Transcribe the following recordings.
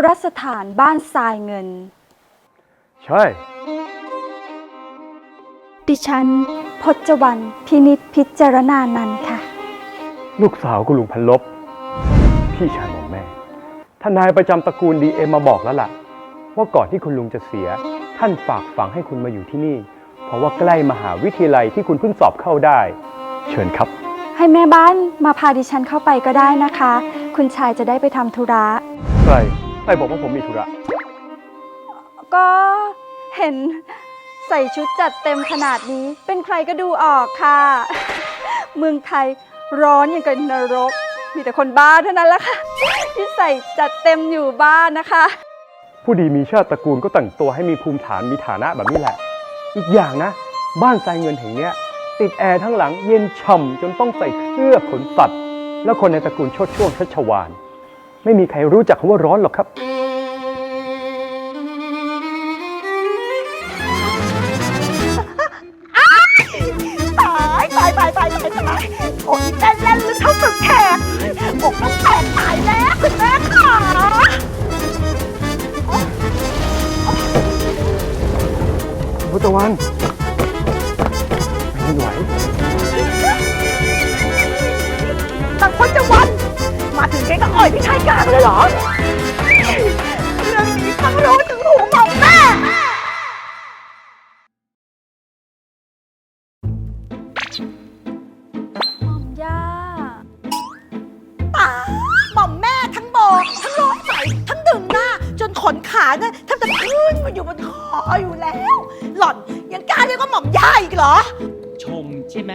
รสถานบ้านทรายเงินใช่ดิฉันพจวรรณพินิจพิจารณานันท์ค่ะลูกสาวคุณลุงพันลบพี่ชายของแม่ทนายประจำตระกูลDMมาบอกแล้วล่ะว่าก่อนที่คุณลุงจะเสียท่านฝากฝังให้คุณมาอยู่ที่นี่เพราะว่าใกล้มหาวิทยาลัยที่คุณเพิ่งสอบเข้าได้เชิญครับให้แม่บ้านมาพาดิฉันเข้าไปก็ได้นะคะคุณชายจะได้ไปทำธุระใครบอกว่าผมมีธุระก็เห็นใส่ชุดจัดเต็มขนาดนี้เป็นใครก็ดูออกค่ะเมืองไทยร้อนอย่างกับนรกมีแต่คนบ้าเท่านั้นแหละค่ะที่ใส่จัดเต็มอยู่บ้านนะคะผู้ดีมีชาติตระกูลก็แต่งตัวให้มีภูมิฐานมีฐานะแบบนี้แหละอีกอย่างนะบ้านทรายเงินแห่งนี้ติดแอร์ทั้งหลังเย็นฉ่ำจนต้องใส่เสื้อขนสัตว์แล้วคนในตระกูลโชติช่วงชัชวาลไม่มีใครรู้จักคำว่าร้อนหรอกครับตายโอ้ยเล่นลึกเท่าสุดแขกอกต้องแตกตายแล้วคุณแม่ค่ะพุทธวันไม่ไหวตังพจวันมาถึงแกก็อ่อยพี่ชายกลางเลยเหรอเรื่องนี้ฟังรู้ถึงหูหมอแม่หม่อมแม่ทั้งโบทั้งร้องใส่ทั้งดึงหน้าจนขนขาเนี่ยแทบจะขึ้นมาอยู่บนคออยู่แล้วหล่อนยังกล้าเรียกว่าหม่อมย่าอีกเหรอชมใช่ไหม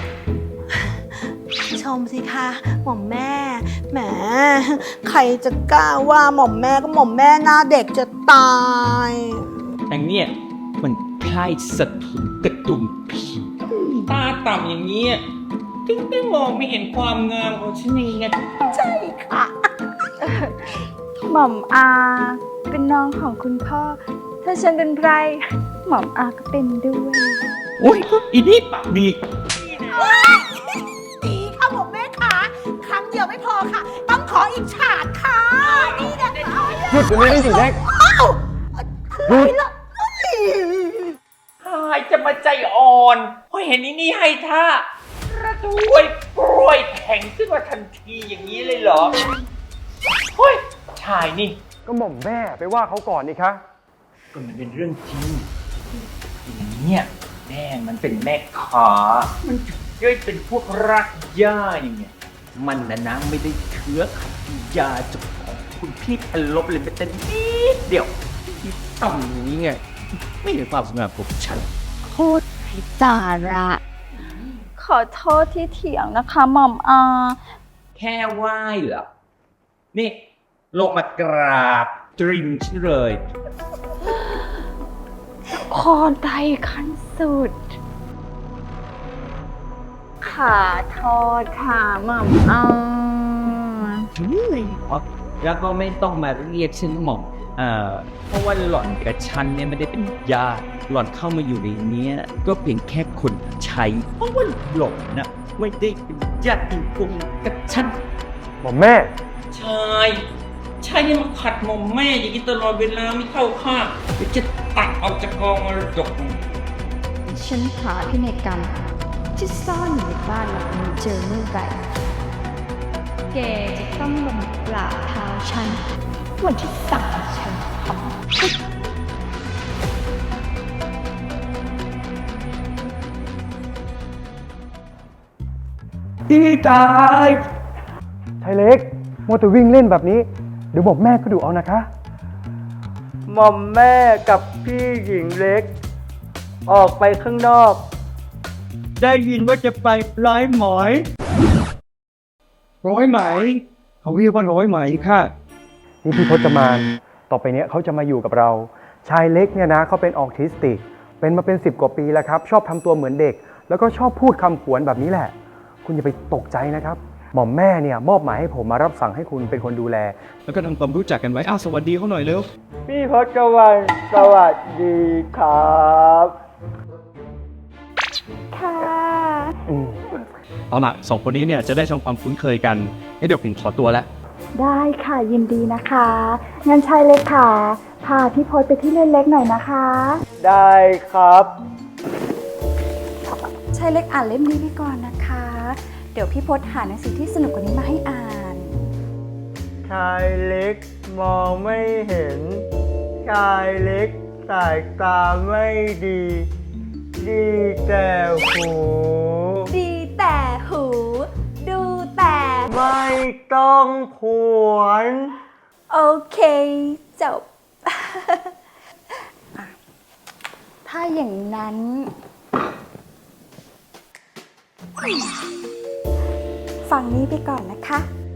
ชมสิคะหม่อมแม่แหมใครจะกล้าว่าหม่อมแม่ก็หม่อมแม่หน้าเด็กจะตายแต่เนี่ยมันคล้ายสถุนกระดุมผีตาต่ำอย่างนี้ถึงได้มองไม่เห็นความงามของฉันเองไงใช่ค่ะหม่อมอาเป็นน้องของคุณพ่อถ้าฉันเป็นใครหม่อมอาก็เป็นด้วยโอ้ยอีนี่ปากดีดีค่ะหม่อมแม่ค่ะครั้งเดียวไม่พอค่ะต้องขออีกฉากค่ะนี่นะหยุดตรงนี้ได้จริงแรกหยุดใครจะมาใจอ่อนเพราะเห็นอีนี่ให้ท่าระด้วยกล้วยแข็งขึ้นมาทันทีอย่างนี้เลยเหรอเฮ้ยชายนี่ก็หม่อมแม่ไปว่าเขาก่อนนี่คะก็มันเป็นเรื่องจริงอย่างเนี้ยแม่มันเป็นแม่ขามันถึงได้เป็นพวกรักย่าอย่างเงี้ยมันนะไม่ได้เชื้อขัดยาจากของคุณพี่พันลบเลยแม้แต่นิดเดียวที่ต่ำอย่างนี้ไงไม่เห็นความสง่าของฉันโคตรไร้สาระขอโทษที่เถียงนะคะหม่อมอาแค่ไหว้เหรอนี่ลงมากราบตริมฉันเลยคอไตขั้นสุดขาทอดค่ะหม่อมอาแล้วก็ไม่ต้องมาเรียกฉันหม่อมเพราะว่าหล่อนกับฉันเนี่ยไม่ได้เป็นญาติหล่อนเข้ามาอยู่ในนี้ก็เพียงแค่คนใช้เพราะว่าหล่อนนะไม่ได้เป็นญาติกงกับฉันหม่อมแม่ชายยังมาขัดหม่อมแม่อย่างนี้ตลอดเวลาไม่เข้าข้างจะตัดออกจากกองมรดกฉันหาพินัยกรรมที่ซ่อนอยู่ในบ้านหลังนี้เจอเมื่อไหร่แกจะต้องลงกราบเท้าฉันวันที่สั่งฉันทำดีตายชายเล็กมัวแต่วิ่งเล่นแบบนี้เดี๋ยวหม่อมแม่ก็ดูเอานะคะหม่อมแม่กับพี่หญิงเล็กออกไปข้างนอกได้ยินว่าจะไปร้อยหมอยร้อยไหมเขาเรียกว่าร้อยไหมค่ะนี่พี่พจมานต่อไปเนี้ยเขาจะมาอยู่กับเราชายเล็กเนี่ยนะเขาเป็นออทิสติกเป็นมาเป็น10 กว่าปีแล้วครับชอบทำตัวเหมือนเด็กแล้วก็ชอบพูดคำผวนแบบนี้แหละคุณอย่าไปตกใจนะครับหม่อมแม่เนี่ยมอบหมายให้ผมมารับสั่งให้คุณเป็นคนดูแลแล้วก็ทำความรู้จักกันไว้สวัสดีเขาหน่อยเร็วพี่พจวันสวัสดีครับค่ะเอาล่ะ2 คนนี้เนี่ยจะได้ทำความคุ้นเคยกันเดี๋ยวผมขอตัวแล้วได้ค่ะยินดีนะคะงั้นชายเล็กค่ะพาพี่พศไปที่เล่นเล็กหน่อยนะคะได้ครับชายเล็กอ่านเล่มนี้ไปก่อนนะคะ เดี๋ยวพี่พศหาหนังสือที่สนุกกว่านี้มาให้อ่านชายเล็กมองไม่เห็น ชายเล็กสายตาไม่ดี ดีแต่หูดีแต่หู ดูแต่ไม่ต้องผวนโอเคจบ อ่ะถ้าอย่างนั้น ฝั่งนี้ไปก่อนนะคะ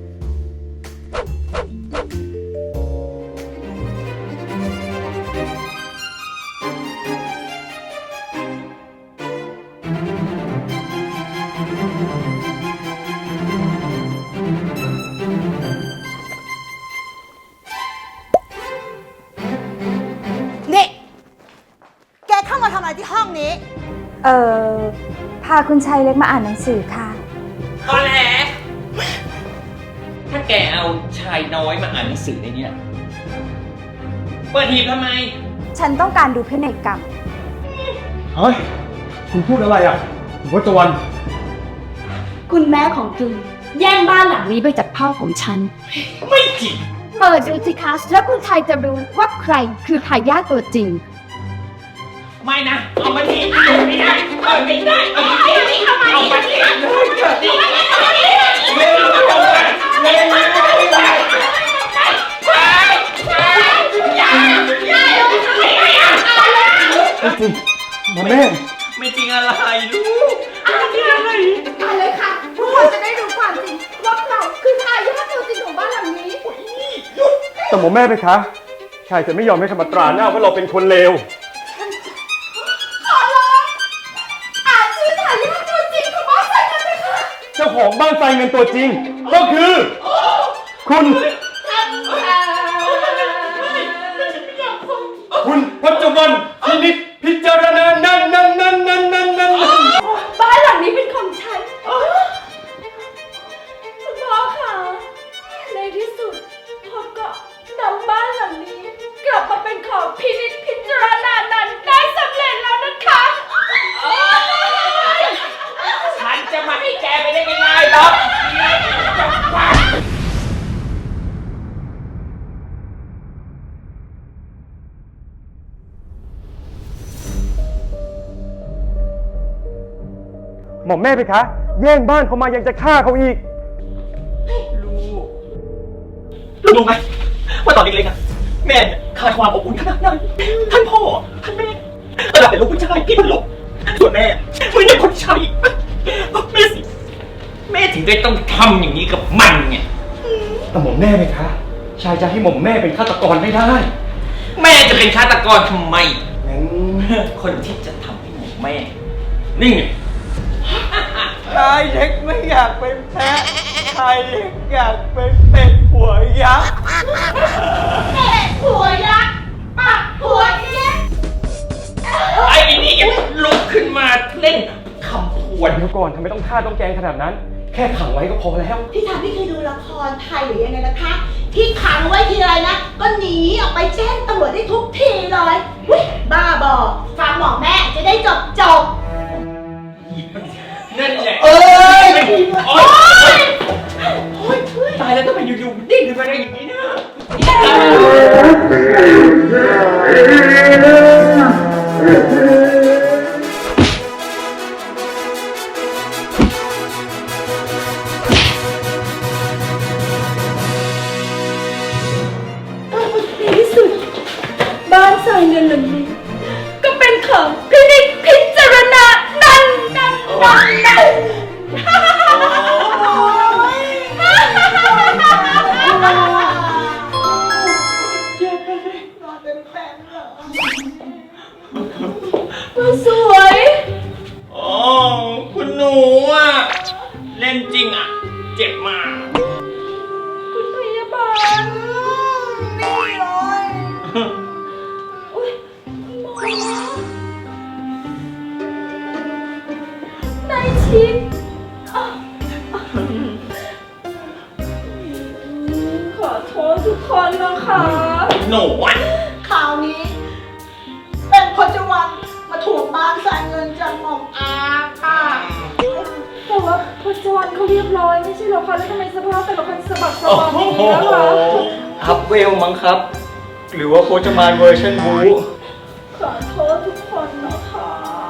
นี่ แกเข้ามาทำอะไรที่ห้องนี้เออพาคุณชายเล็กมาอ่านหนังสือค่ะตอแหลถ้าแกเอาชายน้อยมาอ่านหนังสือในเนี้ยเปิดหีบทำไมฉันต้องการดูพินัยกรรมเฮ้ย คุณพูดอะไรอ่ะคุณพจน์วันคุณแม่ของจุนแย่งบ้านหลังนี้ไปจากพ่อของฉันไม่จริงเปิดดูสิคะแล้วคุณชายจะรู้ว่าใครคือทายาทตัวจริงไม่นะ เอามาทีไม่ได้เอาไม่ได้เอามาทีเอามาทีเร็วเร็วเร็วไม่จริงหมอแม่ไม่จริงอะไรลูกอะไรค่ะทุกคนจะได้รู้ความจริงว่าใครคือทายาทตัวจริงของบ้านหลังนี้แต่หมอแม่ไปคะ ชายจะไม่ยอมให้คำตราหน้าว่าเราเป็นคนเลวอ่านชื่อทายาทตัวจริงของบ้านหลังนั้นเลยค่ะเจ้าของบ้านทรายเงินตัวจริง ก็คือ คุณพจน์วันพินิจพิจารณานั่นบ้านหลังนี้เป็นของฉันคุณพ่อค่ะในที่สุดพ่อก็นำบ้านหลังนี้ กลับมาเป็นของพินิจพิจารณานั้นได้สำเร็จแล้วนะคะฉันจะมาให้แกไปได้ง่ายๆหรอกหมอแม่ไปคะ แย่งบ้านเขามายังจะฆ่าเขาอีกลูกรู้ไหมว่าตอนเล็กๆอะแม่เนี่ยขาดความอบอุ่นขนาดไหนท่านพ่อท่านแม่ระดับเป็นลูกผู้ชายพี่เป็นลูกส่วนแม่ไม่ใช่คนใช้แม่สิแม่ถึงได้ต้องทำอย่างนี้กับมันไงแต่หมอแม่ไปคะ ชายจะให้หมอแม่เป็นฆาตกรไม่ได้แม่จะเป็นฆาตกรทำไมงั้นคนที่จะทำให้หมแม่ นี่ไงชายเล็กไม่อยากเป็นแพะ ชายเล็กอยากเป็นเป็ดหัวยักษ์หัวยักษ์ปากหัวยักษ์ไอ้นี่ยังลุกขึ้นมาเล่นคำพวนเดี๋ยวก่อนทำไมต้องฆ่าต้องแกล้งขนาดนั้น แค่ขังไว้ก็พอแล้วพี่ทำพี่เคยดูละครไทยหรือยังไงนะคะ ที่ขังไว้ทีไรนะ ก็หนีออกไปแจ้งตำรวจได้ทุกทีเลยอุ๊ยบ้าบอฟังหมอแม่จะได้จบนั่นแหละเอ้ยโอ๊ยตายแล้วทำไมอยู่ๆดิ้นขึ้นมาได้อย่างนี้นะในที่สุดบ้านทรายเงินหลังนี้ ก็เป็นของพินิจพิจารณานั่น สวยอ๋อ คุณหนูอ่ะ เล่นจริงอ่ะ เจ็บมากคุณพยาบาลนี่เลยอุ้ยหมอในชิดก็เรียบร้อยไม่ใช่เหรอคะแล้วทำไมสภาพแต่ละคนสะบักสะบอมอย่างนี้แล้วล่ะอัพเวลมั้งครับ หรือว่าโพจมานเวอร์ชันบูขอโทษทุกคนนะคะ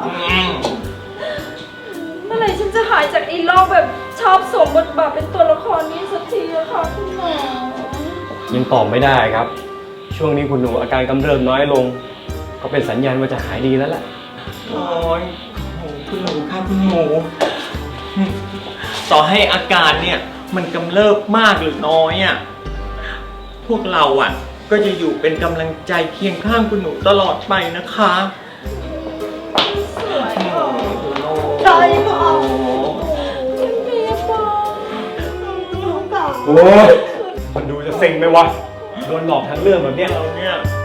เมื่อไหร่ฉันจะหายจากไอ้โรคแบบชอบสวมบทบาทเป็นตัวละครนี้สักทีอะค่ะคุณหมอยังตอบไม่ได้ครับ ช่วงนี้คุณหนูอาการกำเริบน้อยลง ก็เป็นสัญญาณว่าจะหายดีแล้วแหละโอ้ยโอ้คุณหนูครับคุณหนู ต่อให้อาการเนี่ย มันกำเริบมากหรือน้อยอ่ะ พวกเราอ่ะ ก็จะอยู่เป็นกำลังใจเคียงข้างคุณหนูตลอดไปนะคะใช่ค่ะโอ้ยมันดูจะเซ็งไหมวะ โดนหลอกทั้งเรื่องแบบเนี้ยเราเนี่ย